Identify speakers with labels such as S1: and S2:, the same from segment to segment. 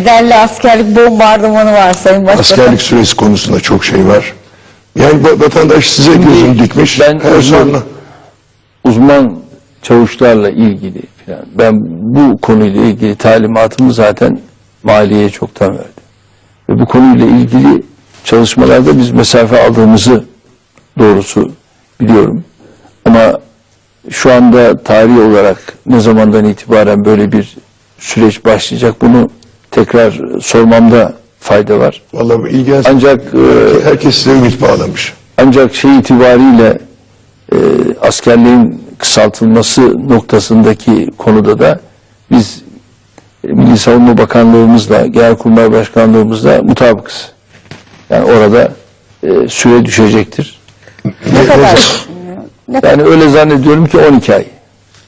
S1: Bedelli askerlik bombardımanı var Sayın Başbakan.
S2: Askerlik süresi konusunda çok şey var. Yani vatandaş size gözünü dikmiş.
S3: Ben
S2: her soruna.
S3: uzman çavuşlarla ilgili falan, ben bu konuyla ilgili talimatımı zaten maliyeye çoktan verdim. Ve bu konuyla ilgili çalışmalarda biz mesafe aldığımızı doğrusu biliyorum. Ama şu anda tarih olarak ne zamandan itibaren böyle bir süreç başlayacak, bunu tekrar sormamda fayda var.
S2: Vallahi bu ilgi
S3: Ancak
S2: herkes size ümit bağlamış.
S3: ancak şey itibariyle askerliğin kısaltılması noktasındaki konuda da biz Milli Savunma Bakanlığımızla, Genelkurmay Başkanlığımızla mutabıkız. Yani orada süre düşecektir.
S1: Ne kadar?
S3: Yani öyle zannediyorum ki 12 ay.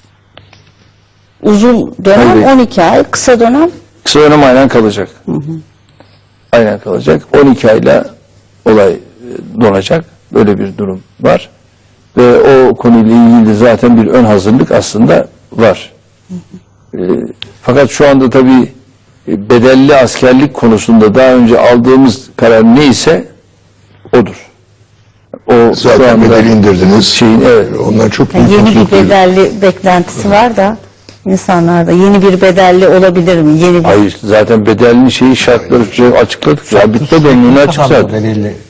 S1: Uzun dönem
S3: Tabii.
S1: 12 ay, kısa dönem
S3: Kısa dönem aynen kalacak. Aynen kalacak. 12 ayla olay donacak. Böyle bir durum var. Ve o konuyla ilgili zaten bir ön hazırlık aslında var. Fakat şu anda tabii bedelli askerlik konusunda daha önce aldığımız karar neyse odur. O şu
S2: Zaten
S3: anda
S2: bedeli indirdiniz.
S3: evet.
S2: Ondan çok büyük
S1: yeni bir
S2: mutluluk duydum.
S1: bedelli beklentisi var da insanlarda yeni bir bedelli olabilir mi? Yeni bir
S3: Hayır, zaten bedelli şeyi şartları açıkladık. Zabıtta da önüne açık zaten.
S4: Belirli